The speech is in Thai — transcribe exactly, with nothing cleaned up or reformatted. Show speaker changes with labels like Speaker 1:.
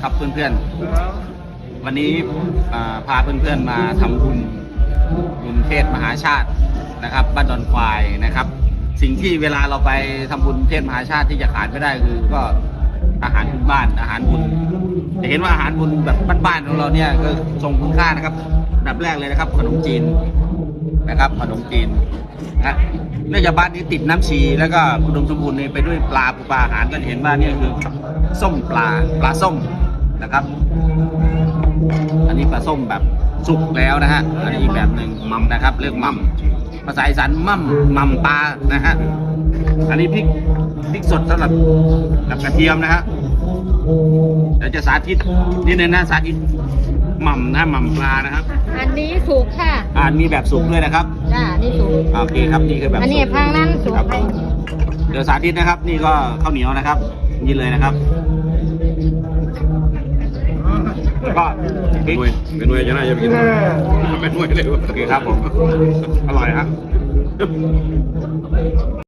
Speaker 1: ครับเพื่อนๆวันนี้พาเพื่อนๆมาทำบุญบุญเทศมหาชาตินะครับบ้านดอนควายนะครับสิ่งที่เวลาเราไปทำบุญเทศมหาชาติที่จะขาดไม่ได้คือก็อาหารพื้นบ้านอาหารบุญจะเห็นว่าอาหารบุญแบบบ้านๆของเราเนี่ยก็ทรงคุณค่านะครับอันดับแรกเลยนะครับขนมจีนนะครับขนมจีนนะเนื่องจากบ้านนี้ติดน้ำชีแล้วก็อุดมสมบูรณ์ไปด้วยปลาปูปลาอาหารก็เห็นว่านี่คือส้มปลาปลาส้มนะครับอันนี้ปลาส้มแบบสุกแล้วนะฮะอันนี้อีกแบบหนึ่งมัมนะครับเรียกมัมภาษาอีสานมั่มมัมปลานะฮะอันนี้พริกพริกสดสำหรับกับกระเทียมนะฮะเดี๋ยวจะสาธิตนี่เนี่ยนะสาธิตมัมนะมัมปลานะครับ
Speaker 2: อันนี้สุกค่ะ
Speaker 1: อ่ามีแบบสุกด้วยนะครับ
Speaker 2: จ้านี่สุก
Speaker 1: โอเคครับนี่คือแบบ
Speaker 2: อันนี้พังนั้นสุกไป
Speaker 1: เดี๋ยวสาธิตนะครับนี่ก็ข้าวเหนียวนะครับนี่เลยนะครับก็
Speaker 3: เป็นหน่วยเป็นหน่วยจะน่าจะไปกินเป็นหน่วยเลย
Speaker 1: โอเคครับผมอร่อยครับ